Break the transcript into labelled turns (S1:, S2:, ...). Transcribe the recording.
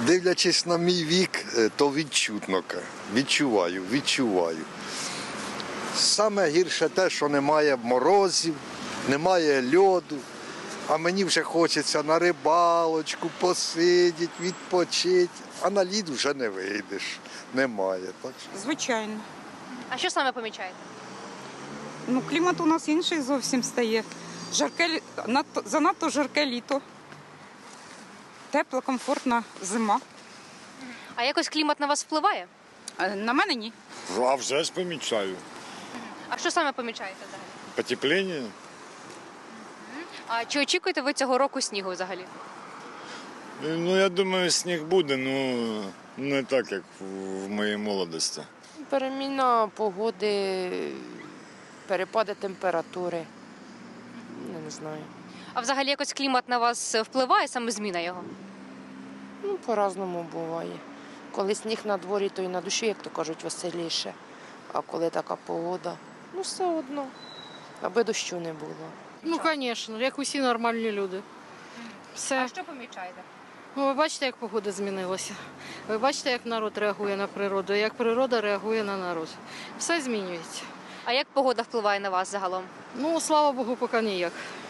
S1: Дивлячись на мій вік, то відчутно. Відчуваю. Саме гірше те, що немає морозів, немає льоду, а мені вже хочеться на рибалочку посидіти, відпочити, а на лід вже не вийдеш, немає. Так що...
S2: Звичайно.
S3: А що саме помічаєте?
S2: Ну, клімат у нас інший зовсім стає. Занадто жарке літо. Тепла, комфортна зима.
S3: А якось клімат на вас впливає?
S2: На мене ні.
S4: А вже ж помічаю.
S3: А що саме помічаєте взагалі?
S4: Потепління.
S3: А чи очікуєте ви цього року снігу взагалі?
S4: Ну, я думаю, сніг буде, ну не так, як в моїй молодості.
S5: Переміна погоди, перепади температури. Не знаю.
S3: А взагалі якось клімат на вас впливає, саме зміна його?
S5: Ну, по-разному буває. Коли сніг на дворі, то і на душі, як то кажуть, веселіше. А коли така погода, ну все одно, аби дощу не було.
S6: Ну, звісно, як усі нормальні люди. Все.
S3: А що помічаєте?
S6: Ну, ви бачите, як погода змінилася. Ви бачите, як народ реагує на природу, як природа реагує на народ. Все змінюється.
S3: А як погода впливає на вас загалом?
S6: Ну, слава Богу, поки ніяк.